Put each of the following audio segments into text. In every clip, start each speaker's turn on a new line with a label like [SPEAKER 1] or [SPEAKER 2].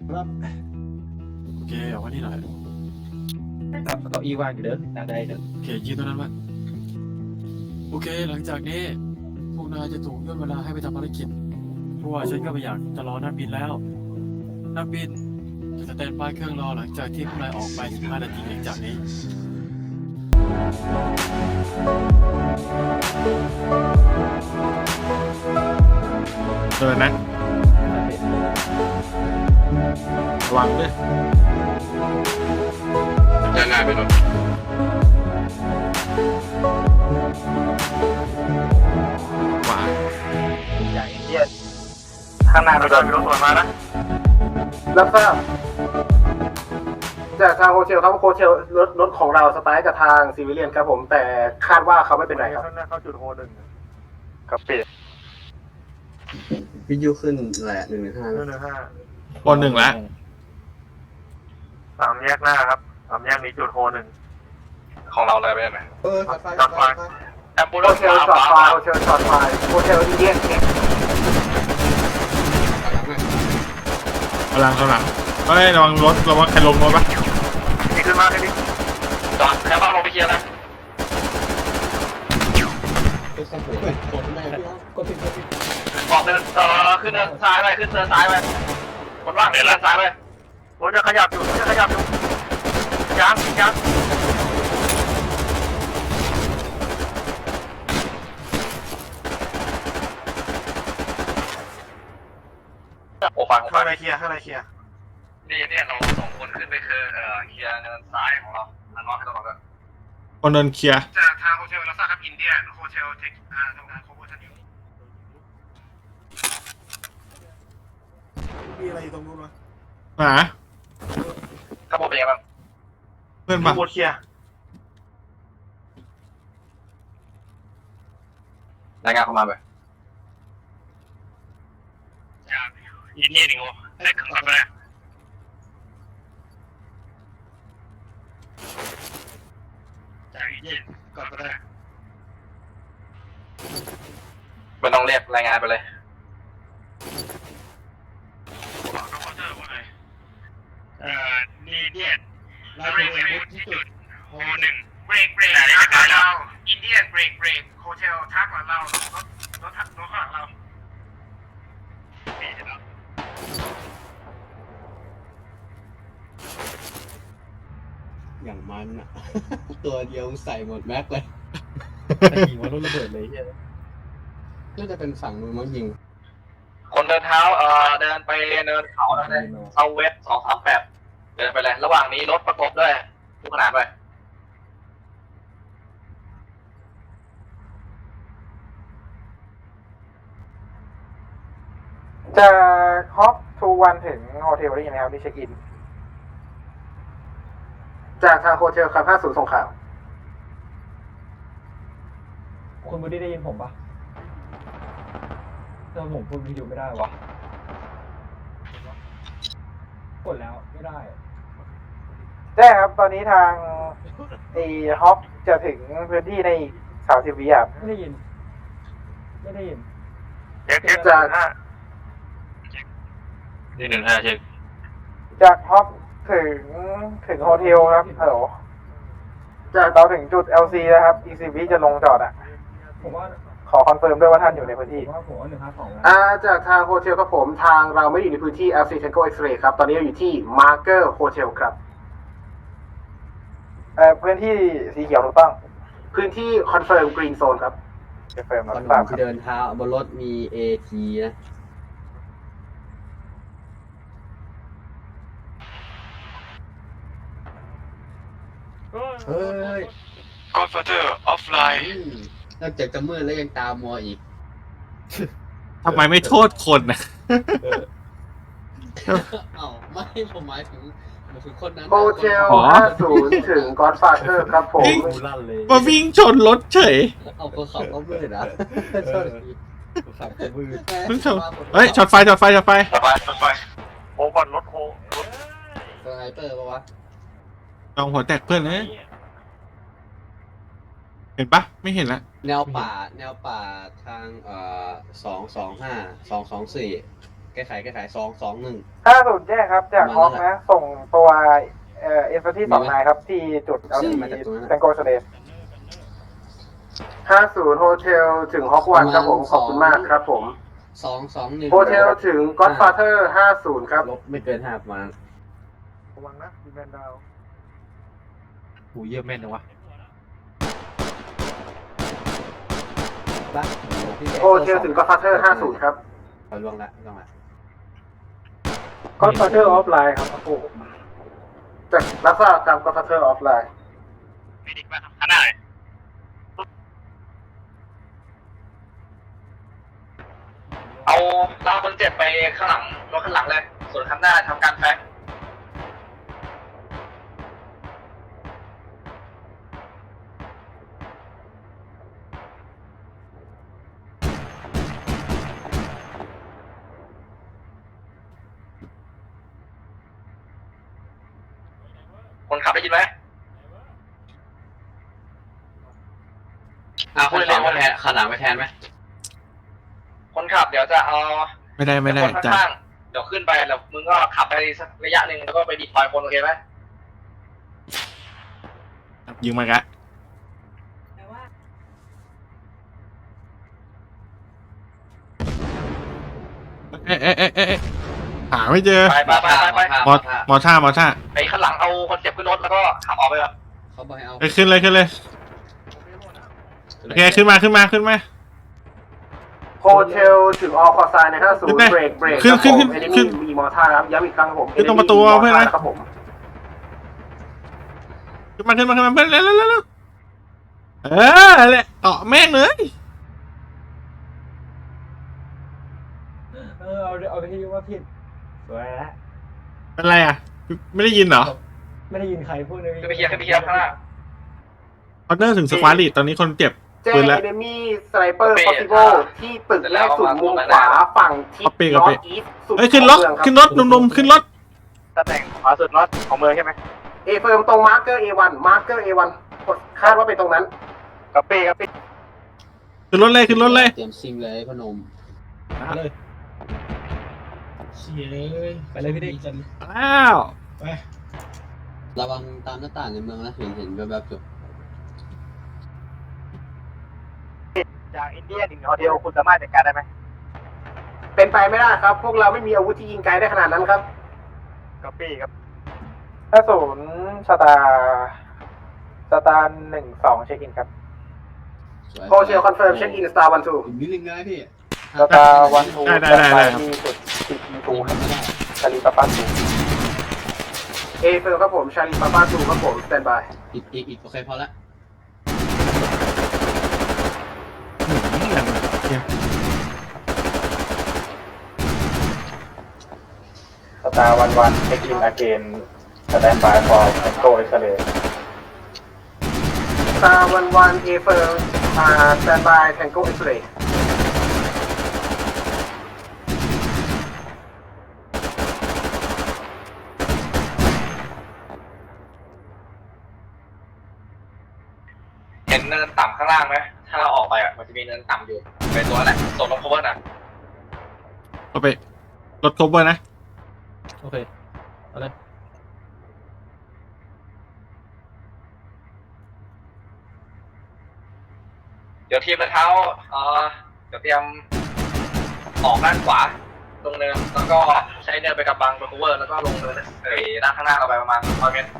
[SPEAKER 1] ครับ
[SPEAKER 2] โอเคเอาไว้นี่หน่อย
[SPEAKER 1] ครับเก้าอี้ว่างอยู่เด้อนั่งได้เด้อ
[SPEAKER 2] โอเคยืนตรงนั้นไว้โอเคหลังจากนี้พวกนายจะถูกย่นเวลาให้ไปทำภารกิจเพราะว่าฉันก็ไม่อยากจะรอนักบินแล้วนักบินจะสแตนบายเครื่องรอหลังจากที่พวกนายออกไป15 นาทีหลังจากนี้
[SPEAKER 3] เดินนะระวังด้วย
[SPEAKER 4] ด้านหน้าไปรถ
[SPEAKER 3] ขวา
[SPEAKER 1] อย่างเดีย
[SPEAKER 5] ข้างหน้ามีรถสวนมานะรับทราบจากทางโฮเทลครับโฮเทลรถของเราสไตล์กับทางซีวิเลียนครับผมแต่คาดว่าเขาไม่เป็นไรครับข้างหน้าเข้าจุดโฮหนึ่งกับเปีย
[SPEAKER 4] วิทยุขึ้นแหละ115
[SPEAKER 3] คนหนึ่งละ
[SPEAKER 5] สามแยกหน้าครับสามแยกนี้จุดโฮหนึ่ง
[SPEAKER 4] ของเราเลยไปไหม
[SPEAKER 5] จอดไฟแอมบูเลนซ์โฮเทลจอดไฟโฮเทลจอดไฟโฮเทลอินเดียนเนี่ย
[SPEAKER 3] กำลังเฮ้ยระวังรถระวังใครลงรถปะ
[SPEAKER 5] นี่ขึ้นมาแค่นี้จอดแล้วบ้างลงไปเคลียร์นะ บอกเดินขึ้นเดินซ้ายไปขึ้นเดินซ้ายไปคนว่างเดินซ้ายไปรถจะขยับอยู่ยังโอ้ฟังข้างในเคลียร์นี่เราส่งคนขึ้นไปคือเคลียร์เดินซ้ายของเราทางนอกให้ตลอดเลย
[SPEAKER 3] คนเดินเคลียร์
[SPEAKER 5] จากทางโฮเทลลาซาครับอินเดียโฮเทลเทคทำงานโคเวอร์ชันอยู่มีอะไรอยู่ตรงนู้นวะ
[SPEAKER 3] หา
[SPEAKER 5] ข้างบนเป็นยังไงบ้าง
[SPEAKER 3] เพื่อนปะ
[SPEAKER 5] บนเคลียร์รายงานเข้ามาไปจากอินเดียนี่โง่ได้ขึ้นก่อนไปเลยจากอินเดียก่อนไปเลยไม่ต้องเรียกรายงานไปเลยนี่เดียนเราเบรกที่จุดโฮหนึ่งเบรกทักหลังเราอินเดียนเบรกโฮเทลทักหลังเรารถข้างหลังเรา
[SPEAKER 4] อย่างมันอ่ะ ตัวเดียวใส่หมดแม็กเลย
[SPEAKER 1] แต่ยิงว่ารถระเบิดเลยเฮีย
[SPEAKER 4] น่าจะเป็นฝั่งมือมั้งยิง
[SPEAKER 5] คนเดินเท้าเดินไปเนินเขาแล้วนะเซาเวส238เดินไปเลยระหว่างนี้รถประกบด้วยทุกขนาดไปจากฮอปทูวันถึงโฮเทลได้ยังไงครับที่เช็คอินจากทางโฮเทลครับ50ส่งข่าว
[SPEAKER 1] คุณไม่ได้ยินผมปะแต่ผมพูดวิดีโอไม่ได้วะกดแล้วไม่ได้
[SPEAKER 5] ใช่ครับ ตอนนี้ทางฮอปจะถึงพื้นที่ใน30 วิครับ
[SPEAKER 1] ไม่ได้ยิน
[SPEAKER 5] จาก
[SPEAKER 4] 115เช็ค
[SPEAKER 5] จากฮอปถึงโฮเทลครับฮัลโหลจากเราถึงจุด LC นะครับ ECV จะลงจอดอ่ะ
[SPEAKER 1] ผมว่า
[SPEAKER 5] ขอคอนเฟิร์มด้วยว่าท่านอยู่ในพื้นที่
[SPEAKER 1] ผมว่า152นะ
[SPEAKER 5] จากทางโฮเทลครับผมทางเราไม่ได้อยู่ในพื้นที่ LC Tango X-ray ครับ ตอนนี้เราอยู่ที่ Marker Hotel ครับพื้นที่สีเขียวถูกต้อง พื้นที่คอนเฟิร์ม Green Zone ครับคอนเฟิร์ม
[SPEAKER 4] ตอน
[SPEAKER 5] ทราบค
[SPEAKER 4] ที่
[SPEAKER 5] รับ
[SPEAKER 4] เดินเท้าบนรถมี AT นะ เฮ้ย
[SPEAKER 2] Godfather offline
[SPEAKER 4] นอกจากจะมืดแล้วยังตามมัวอีก
[SPEAKER 3] ทำไมไม่โทษคนนะ
[SPEAKER 4] เอ้าไม่ผมหมายถึงคนนั้น
[SPEAKER 5] โฮเทล 50 ถึง Godfather ครับผม
[SPEAKER 1] กูลั่นเลย
[SPEAKER 3] มาวิ่งชนรถเฉย
[SPEAKER 4] เอาก็ขับก็มืดนะโทษที
[SPEAKER 1] ขับกูมือ
[SPEAKER 3] เพิ่งชนเฮ้ยช็อตไฟ
[SPEAKER 5] ต่อไปโฮก่อนรถโฮ
[SPEAKER 4] สไนเปอร์ปะวะ
[SPEAKER 3] ลองหัวแตกเพื่อนเลยเห็นปะไม่เห็นละ
[SPEAKER 4] แนวป่าทาง225 224 แก้ไข221
[SPEAKER 6] 50แจ้งครับจากฮอกนะ ส่งตัวเอฟที่2นายครับ ที่จุดเอาที่แตงโกสเตท50โฮเทลถึงฮอกวันครับผมขอบคุณมากครับผม
[SPEAKER 4] 221
[SPEAKER 6] โฮเทลถึงก็อดฟาเธอร์50ครับ
[SPEAKER 4] ลบไม่เกิน5ประมาณ
[SPEAKER 6] ระวังนะดีแมนดาว
[SPEAKER 1] หูเยี่ยมแม่นจังวะ
[SPEAKER 6] โฮเทลถึงก็อดฟาเธอร์50ครับ
[SPEAKER 4] เอาล่วงละ
[SPEAKER 6] ก็อดฟาเธอร์ออฟไลน์ครับโอ้โหจากรับทราบตามก็อดฟาเธอร์ออฟไลน์
[SPEAKER 5] ไม่ดีกว่าครับขนาดไหนเอาลากคนเจ็บไปข้างหลังรถข้างหลังเลย ส่วนข้างหน้าทำการแฟกคนขับได้ยินไหมพูดเร็วๆว่าขนาดไปแทนไหมคนขับเดี๋ยวจะเอา
[SPEAKER 3] ไม่ได้
[SPEAKER 5] คน
[SPEAKER 3] จ้ะ
[SPEAKER 5] ข้างๆเดี๋ยวขึ้นไปแล้วมึงก็ขับไปสักระยะหนึ่งแล้วก็ไปดีพอยคนโอเคไหม
[SPEAKER 3] ยิงมากะเอ๊ะหาไม่เจอ
[SPEAKER 5] ไป
[SPEAKER 3] มอท่า
[SPEAKER 5] ไปข้างหลังเอาคนเจ็บขึ้นรถแล้วก็ขับออกไปแบบ
[SPEAKER 4] เขาบอกให้เอา
[SPEAKER 3] ขึ้นเลยโอเคขึ้นมา
[SPEAKER 6] โฮเทลถึงออคอไซน์ใน50เบรกขึ้นมีมอท่าครับย้ำอีกครั้งครับผม
[SPEAKER 3] ขึ้นตรงประตูเพื่อนนะครับ
[SPEAKER 6] ผม
[SPEAKER 3] ขึ้นมาเพื่อนเร็วแหละเกาะแม่งเลย
[SPEAKER 6] เอาไปที่ว่าผิดสวยแล้ว
[SPEAKER 3] เป็นไรอ่ะไม่ได้ยินเหรอ
[SPEAKER 6] ไม่ได้ยินใครพูดเลย
[SPEAKER 5] ขึ้นไปเคลียร์ข้างหน้า
[SPEAKER 3] คอนเนอร์ถึงสควอตลีตอนนี้คนเจ็บ
[SPEAKER 6] เจ
[SPEAKER 3] ปืนแล้ว
[SPEAKER 6] เอเนมี่สไนเปอร์พอสซิเบิลที่ตึกแรกสุดมุมขวาฝั่งทิศนอร์ทอีสต์สุด
[SPEAKER 3] ขึ้นรถหนุ่มๆขึ้นรถ
[SPEAKER 5] ตำแหน่งขวาสุดรถของเมืองใช่ไหม
[SPEAKER 6] เอเฟิร์มตรงมาร์เกอร์ A1 คาดว่าเป็นตรงนั้น
[SPEAKER 5] กระปี้
[SPEAKER 3] ขึ้นรถเลย
[SPEAKER 4] เตรียมซิงเลยพนม
[SPEAKER 1] เลยเชี่ยเลยไปเลยพี่เด็ก
[SPEAKER 3] อ้าว
[SPEAKER 4] ระวังตามหน้าต่างในเมืองนะเห็นแบบจุด
[SPEAKER 5] จากอินเดียถึงโฮเทลคุณสามารถจัดการได้ไหม
[SPEAKER 6] เป็นไปไม่ได้ครับ พวกเราไม่มีอาวุธที่ยิงไกลได้ขนาดนั้นครับ
[SPEAKER 5] กระปี้ครับ
[SPEAKER 6] 50สตาร์12เช็คอินครับโฮเทลคอนเฟิร์มเช็คอินสตาร์12
[SPEAKER 4] อีกนิดนึงนะพี่
[SPEAKER 6] สตาร์12
[SPEAKER 3] ได้ครับ
[SPEAKER 6] มีจุด10 2ชาลีปาปา2เอเฟิร์มครับผมชาลีปาปา2ครับผมสแตนบาย
[SPEAKER 4] อีกโอเคพอละ
[SPEAKER 6] สตาร์11เช็คอินอาเกนสแตนบายฟอร์แอนโกอิสเลสตาร์11เอเฟิร์มสแตนบายแทงโกอิสเล
[SPEAKER 5] เห็นเนินต่ำข้างล่างไหมถ้าเราออกไปอ่ะมันจะมีเนินต่ำอยู่เป็นตัวแหละส่งลง cover นะ
[SPEAKER 3] เอาไปรถครบเบอร์นะ
[SPEAKER 1] โอเคเอาเลย
[SPEAKER 5] เดี๋ยวทีมเท้าเดี๋ยวเตรียมออกด้านขวาลงเนินแล้วก็ใช้เนินไปกับบัง cover แล้วก็ลงเนินด้านข้างหน้าเราไปประมาณ100 เมตร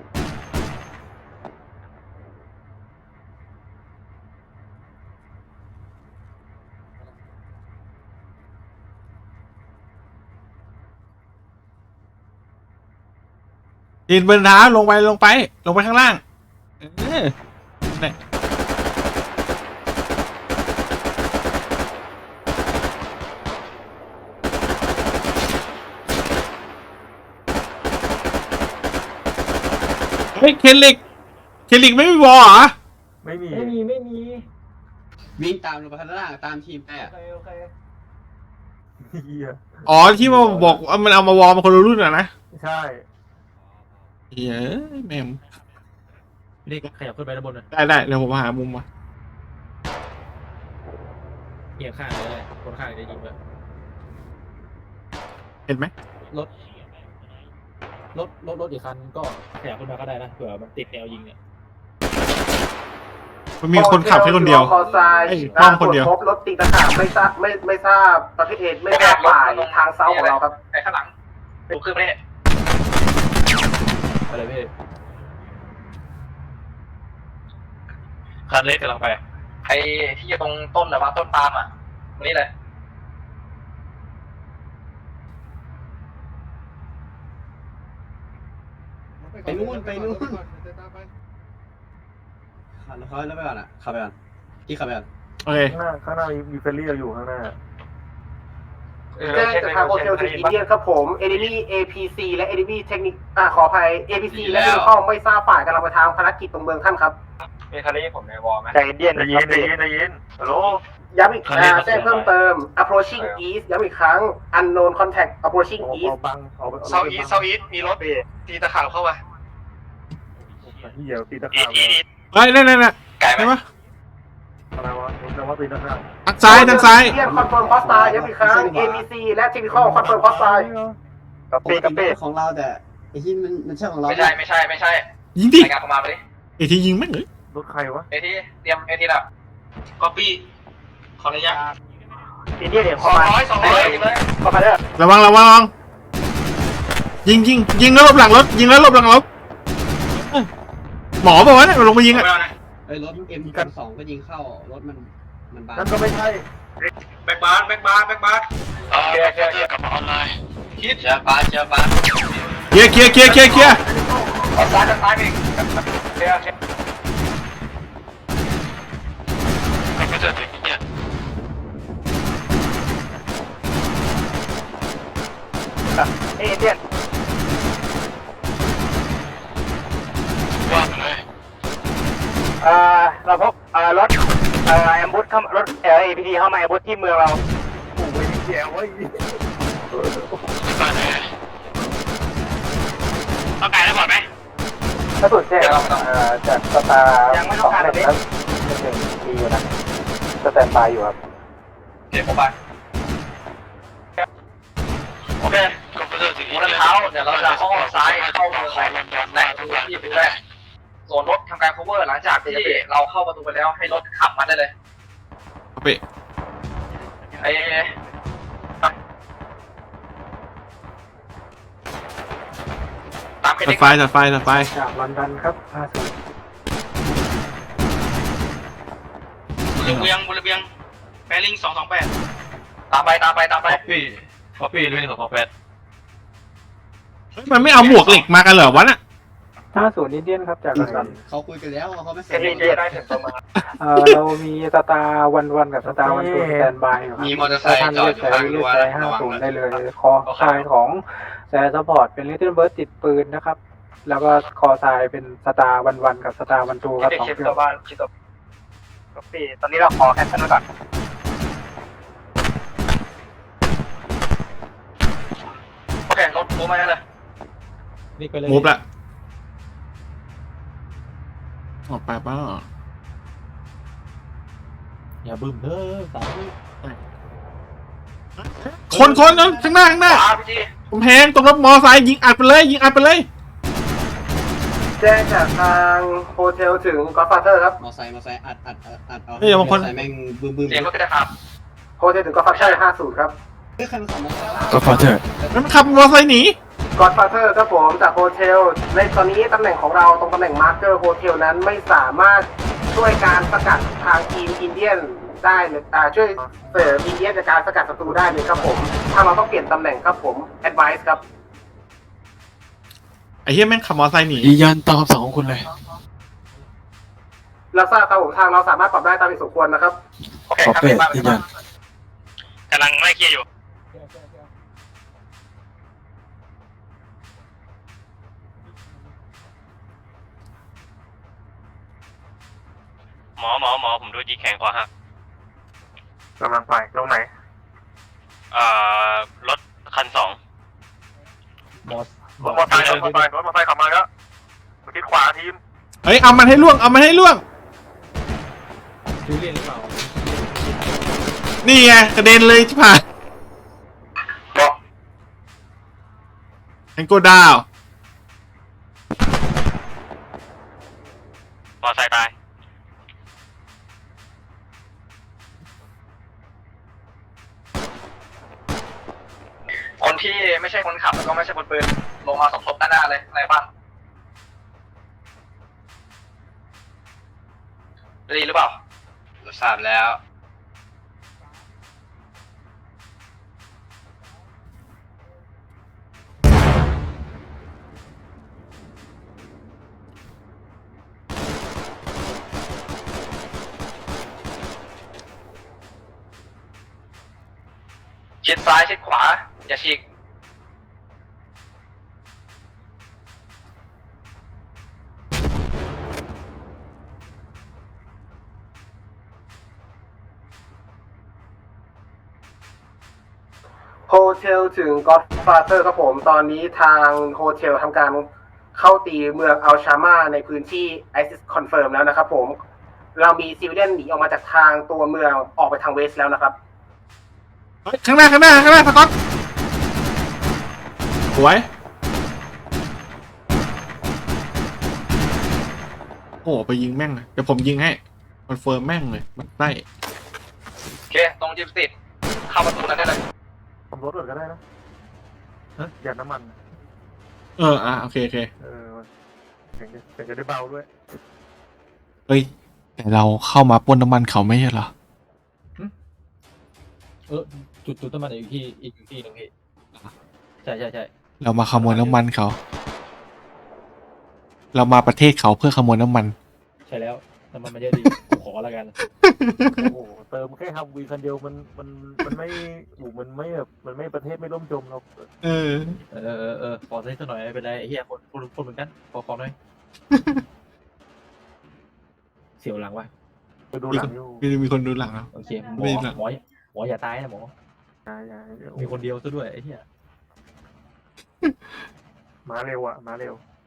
[SPEAKER 3] ดินบนเท้าลงไปข้างล่างเนี่ยเฮ้ยเคลิกไม่มีวอลเหรอ
[SPEAKER 6] ไม่มี
[SPEAKER 4] วิ่งตามลงไปข้างล่างตามทีมไปอ่ะ
[SPEAKER 6] โอเค
[SPEAKER 3] อ๋อที่มาบอกว่ามันเอามาวอลมาคนละรุ่นอ่ะนะ
[SPEAKER 6] ใช่
[SPEAKER 3] เฮ้ยแม่ม
[SPEAKER 1] พี่เด็กขยับขึ้นไปด้านบนเลย
[SPEAKER 3] ได้เดี๋ยวผมหามุมมา
[SPEAKER 1] เอียงข้างเลยคนข้างจะยิงเลย
[SPEAKER 3] เห็นไหม
[SPEAKER 1] รถอีกคันก็ขยับขึ้นมาก็ได้นะเผื่อมันติดแนวยิงเนี่ย
[SPEAKER 3] มันมีคนขับแค่คนเดียว
[SPEAKER 6] คอทราย
[SPEAKER 3] ไอ้ป้อมคนเดียว
[SPEAKER 6] พบรถตีตะขาบไม่ทราบประเภทไม่ทราบฝ่ายทางเซาของเราครับ
[SPEAKER 5] ไอ้ข้างหลังดูขึ้นไปเนี่ย
[SPEAKER 1] อะไรพี่
[SPEAKER 5] คันเล็กกำลังไปไอ้ที่อยู่ตรงต้นนะว่าต้นปาล์มอ่ะตรงนี้เลย
[SPEAKER 4] ไปนู่นเขาแล้วไปก่อนอ่ะขับไปก่อนที่ขับไปก่อน
[SPEAKER 3] โอเค
[SPEAKER 6] ข้างหน้ามีเฟรนลี่อยู่ข้างหน้าแจ้งจากทางโฮเทลถึงอินเดียนครับผม Enemy APC และ Enemy เทคนิคขออภัย APC และเข้าไม่ทราบฝ่ายกำลังไปทางภารกิจตรงเมืองท่านครับ
[SPEAKER 5] มีคันนี้ผมในวอลไหม
[SPEAKER 6] ใจเย็นฮัลโหลย้ำอีกแจ้งเพิ่มเติม approaching east ย้ำอีกครั้ง unknown contact approaching east
[SPEAKER 5] เซาอีสมีรถตีตะขาบเข้ามา
[SPEAKER 6] เดี๋ยวตีตะ
[SPEAKER 5] อี
[SPEAKER 6] ขาบ
[SPEAKER 5] อี
[SPEAKER 3] เฮ้ยนั่น
[SPEAKER 5] ไกลไหม
[SPEAKER 3] ใช่ปะ
[SPEAKER 6] อะไรวะจะว่าตีตะขาบ
[SPEAKER 3] ทางซ้าย
[SPEAKER 6] เรียกคอนเฟิร์มพอสตาย้ำอีกครั้ง APC และ technical คอนเฟิร์มพอสตา
[SPEAKER 4] ปกติของเราแต่ไอ้ที่มันใช่ของเรา
[SPEAKER 5] ไม่ใช่
[SPEAKER 3] ยิงดิ
[SPEAKER 5] รายงานเข้ามาไปดิ
[SPEAKER 3] ไอ้ที่ยิงแม่งเลย
[SPEAKER 6] รถใครวะ
[SPEAKER 5] เอทีเตรียมเอทีละก๊อปปี้ขอระยะ
[SPEAKER 6] อินเดียเนี่ย
[SPEAKER 5] สองร้อยเลย
[SPEAKER 6] เข้ามาเด้อ
[SPEAKER 3] ระวังยิงแล้วหลบหลังรถยิงแล้วหลบหลังรถหมอบอกว่าเนี่ยมันลงไปยิงอ่ะ
[SPEAKER 4] ไอ้รถ M2 ก็ยิงเข้ารถมันบาน
[SPEAKER 6] นั่นก็ไม่ใช่
[SPEAKER 5] แบ็กบาร์เคลียร์กลับมาออนไลน์คิดเชียร์บาร์
[SPEAKER 3] เคลียร์
[SPEAKER 5] ออนซ้ายไปอีกเคลียร์ไม่ก็จะถึงเนี่ย
[SPEAKER 6] เอเดียน
[SPEAKER 5] ว่างเลย
[SPEAKER 6] เราพบรถแอมบูสเข้ารถAPT เข้ามาแอมบูสที่เมืองเราโอ้ยเจ๋วเว้ย
[SPEAKER 5] บ้านไหนต้องการได้บอดไหม
[SPEAKER 6] ถ้าสุดแจ้งจากสตาร์21มีอยู่นะสแตนบายอยู่ครับ
[SPEAKER 5] เดี๋ยวผมไปโอเคคอมพิวเตอร์ถึงนี้เท้าเดี๋ยวเราจะเข้าซ้ายเข้าเมืองไหนที่เป็นแรกส่วนรถทำการ cover หลังจากที่เราเข้าประตูไปแล้วให้รถขับมาได้เลย
[SPEAKER 3] เปะ
[SPEAKER 5] ไอ้ตาม
[SPEAKER 3] ตัดไฟ
[SPEAKER 6] จากลอนดอนครับ
[SPEAKER 5] บุรีเบียงแบริ่ง228ตามไปป๊อปปี้ด้วย228
[SPEAKER 3] มันไม่เอาหมวกเหล็กมากันเหรอวะน่ะ
[SPEAKER 6] 50อินเดียนครับจากลอนดอน
[SPEAKER 4] เขาคุยกันแล้วเขาไม่ใส่
[SPEAKER 5] อินเดียได้ถึงประมาณ
[SPEAKER 6] เรามีสตาร์วันกับสตาร์วันทูสแตนบายอยู่ครับ
[SPEAKER 4] มีมอเตอร์ไซค์จอดอยู่ข้างรั้ว
[SPEAKER 6] ใช้50ได้เลยคอทรายของแซร์ซัพพอร์ตเป็นลิตเติ้ลเบิร์ดติดปืนนะครับแล้วก็คอทรายเป็นสตาร์วันกับสตาร์วันทูครับ2เครื่องก็ปีตอนนี้เราขอแคนเซิลไว้ก่อน
[SPEAKER 5] โอเครถมูฟมาเลย
[SPEAKER 1] นี่ไปเลย
[SPEAKER 3] มูฟละออกไปป่ะ
[SPEAKER 1] อย่าบึ้มเด้อสาม
[SPEAKER 3] คนนั้นข้างหน้า
[SPEAKER 5] ขวาพี่จี
[SPEAKER 3] ผมแพงตรงรถมอไซค์ยิงอัดไปเลย
[SPEAKER 6] แจ้งจากทางโฮเทลถึงก็อดฟาเธอร์ครับ
[SPEAKER 4] มอไซค์อัดเอา
[SPEAKER 3] เฮ้ยบางคน
[SPEAKER 4] มอไซค์แม่งบึ้ม
[SPEAKER 5] เสียงรถก็ได้ครับ
[SPEAKER 6] โฮเทลถึงก็อดฟาเธอร์50ครับ
[SPEAKER 4] เฮ้ยใครมาขับมอไซค์
[SPEAKER 2] ก็ฟาเธอร์
[SPEAKER 3] มันขับมอไซค์หนี
[SPEAKER 6] ก็อดฟาเธอร์ครับผมจากโฮเทลในตอนนี้ตำแหน่งของเราตรงตำแหน่งมาร์เกอร์โฮเทลนั้นไม่สามารถช่วยการสกัดทางทีมอินเดียนได้เลยช่วยเสริมอินเดียนจากการสกัดศัตรูได้เลยครับผมถ้าเราต้องเปลี่ยนตำแหน่งครับผม advice ครับ
[SPEAKER 3] ไอ้เหี้ยแม่งขับมอไซค์หนี
[SPEAKER 2] ยืนยันตามคำสั่งของคุณเลย
[SPEAKER 6] เราทราบครับผมทางเราสามารถปรับได้ตามที่สมควรนะครับ
[SPEAKER 5] โอเค
[SPEAKER 2] ป๊อป
[SPEAKER 5] ครับ
[SPEAKER 2] เป้
[SPEAKER 5] บ้าน
[SPEAKER 2] ยืนยัน
[SPEAKER 5] กำลังไล่เคลียร์อยู่หมอผมดูจีแข็งคอหัก
[SPEAKER 6] กำลังไปตรงไหน
[SPEAKER 5] รถคัน2
[SPEAKER 1] มอส
[SPEAKER 6] รถมอเตอร์ไซค์ขับมาแล้วทิศขวาทีม
[SPEAKER 3] เฮ้ยเอามันให้ล่วง
[SPEAKER 1] จูเลียนหรือเปล่า
[SPEAKER 3] นี่ไงกระเด็นเลยที่ผ่านแองโกดาว
[SPEAKER 5] มอไซค์ตายคนที่ไม่ใช่คนขับแล้วก็ไม่ใช่คนปืนลงมาสมทบด้านหน้าเลยอะไรป่ะดีหรือเปล่าเราทราบแล้ว ชิดซ้ายชิดขวาอย่าฉีก
[SPEAKER 6] โฮเทลถึง Godfather ครับผมตอนนี้ทางโฮเทลทำการเข้าตีเมืองอัลชามาในพื้นที่ ISIS Confirm แล้วนะครับผมเรามีซิวิเลียนหนีออกมาจากทางตัวเมืองออกไปทางเวสแล้วนะครับ
[SPEAKER 3] เฮ้ยข้างหน้าสก๊อตสวยโอ้ไปยิงแม่งเลยเดี๋ยวผมยิงให้คอนเฟิร์มแม่งเลยมันได้
[SPEAKER 5] โอเคตรงจิมสติดเข้าประตูนั้นได้เลย
[SPEAKER 7] ทำรถก่อนก็ได้นะหยาดน้ำมัน
[SPEAKER 3] โอเค
[SPEAKER 7] เสียงจะได้เบาด้วย
[SPEAKER 3] เฮ้ยแต่เราเข้ามาปล้นน้ำมันเขาไม่ใช่เหรอ
[SPEAKER 1] จุดน้ำมันอีกที่หนึงพี่ใช่
[SPEAKER 3] เรามาขโมยน้ำมันเขา เรามาประเทศเขาเพื่อขโมยน้ำมัน
[SPEAKER 1] ใช่แล้วน้ำมันมันเยอะดีขอแล้วกัน
[SPEAKER 7] โอ้โหเติมแค่ฮัมวีคันเดียวมันไม่มันไม่แบบมันไม่ประเทศไม่ล่มจมเรา
[SPEAKER 3] เออ
[SPEAKER 1] ขอสักหน่อยไม่เป็นไรไอ้เหี้ยคนเหมือนกันขอหน่อยเสียวหลังวะ
[SPEAKER 7] ไปดูหลังอยู่
[SPEAKER 3] มีคนดูหลังแล้ว
[SPEAKER 1] โอเคหม
[SPEAKER 3] ไม่หลัง
[SPEAKER 1] ออย่าตายนะหมอ
[SPEAKER 7] อย่า
[SPEAKER 1] มีคนเดียวซะด้วยไอ้เหี้ย
[SPEAKER 7] มาเร็วอ่ะมาเร็ว